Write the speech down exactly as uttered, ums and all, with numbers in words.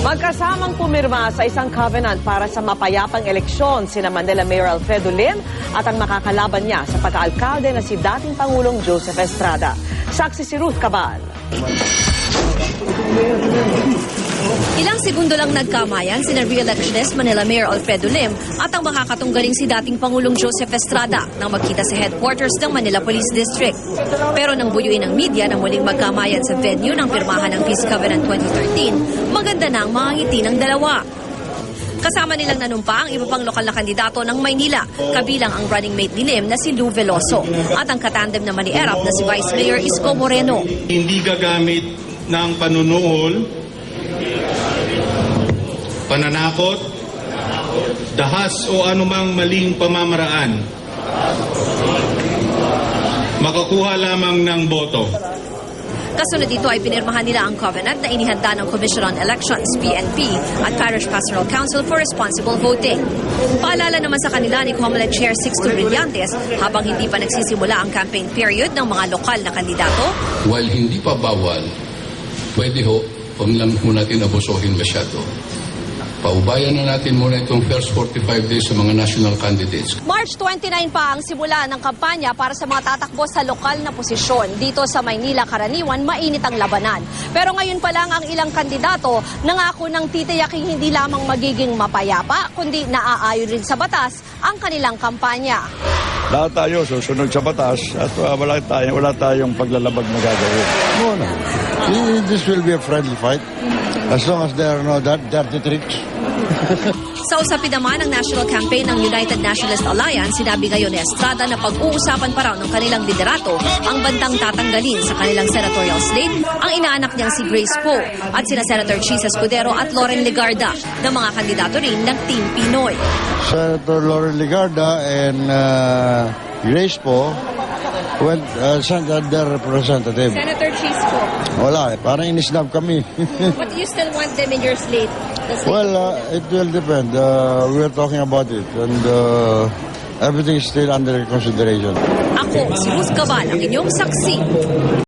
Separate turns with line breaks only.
Magkasamang pumirma sa isang covenant para sa mapayapang eleksyon sina Manila Mayor Alfredo Lim at ang makakalaban niya sa pagkaalkalde na si dating Pangulong Joseph Estrada. Saksi si Ruth Cabal.
Ilang segundo lang nagkamayan sina re-electionist Manila Mayor Alfredo Lim at ang makakatunggaling si dating Pangulong Joseph Estrada nang magkita sa headquarters ng Manila Police District. Pero nang buyuin ng media na muling magkamayan sa venue ng pirmahan ng Peace Covenant twenty thirteen, maganda na ang mga ngiti ng dalawa. Kasama nilang nanumpa ang iba pang lokal na kandidato ng Maynila, kabilang ang running mate ni Lim na si Lou Veloso at ang katandem naman ni Erap na si Vice Mayor Isko Moreno.
Hindi gagamit ng panunuol, pananakot, dahas o anumang maling pamamaraan. Makakuha lamang ng boto.
Kasunod dito ay pinirmahan nila ang covenant na inihanda ng Commission on Elections, P N P, at Parish Pastoral Council for Responsible Voting. Paalala naman sa kanila ni Comelec Chair Sixto Brillantes habang hindi pa nagsisimula ang campaign period ng mga lokal na kandidato.
While hindi pa bawal, pwede ho, huwag lang ho natin abusuhin masyado. Paubayan na natin muna itong first forty-five days sa mga national candidates.
March twenty-nine pa ang simula ng kampanya para sa mga tatakbo sa lokal na posisyon. Dito sa Maynila, karaniwan, mainit ang labanan. Pero ngayon pa lang ang ilang kandidato nangako ng titiyaking hindi lamang magiging mapayapa, kundi naaayon rin sa batas ang kanilang kampanya.
Lahat tayo susunod sa batas at uh, wala, tayo, wala tayong paglalabag na gagawin. Muna, this will be a friendly fight as long as there are no dirty tricks.
Sa usapin naman ng national campaign ng United Nationalist Alliance, sinabi ngayon ni Estrada na pag-uusapan pa raw ng kanilang liderato ang bantang tatanggalin sa kanilang senatorial slate ang inaanak niyang si Grace Poe at sina Senator Chis Escudero at Loren Legarda na mga kandidato rin ng Team Pinoy.
Senator Loren Legarda and uh, Grace Poe went uh, sent their representative.
Senator Chis po.
Wala eh, parang inisnab kami.
But you still want them in your slate?
Well, uh, it will depend. Uh, we are talking about it and uh, everything is still under consideration.
Ako, si Ruth Cabal, ang inyong saksi.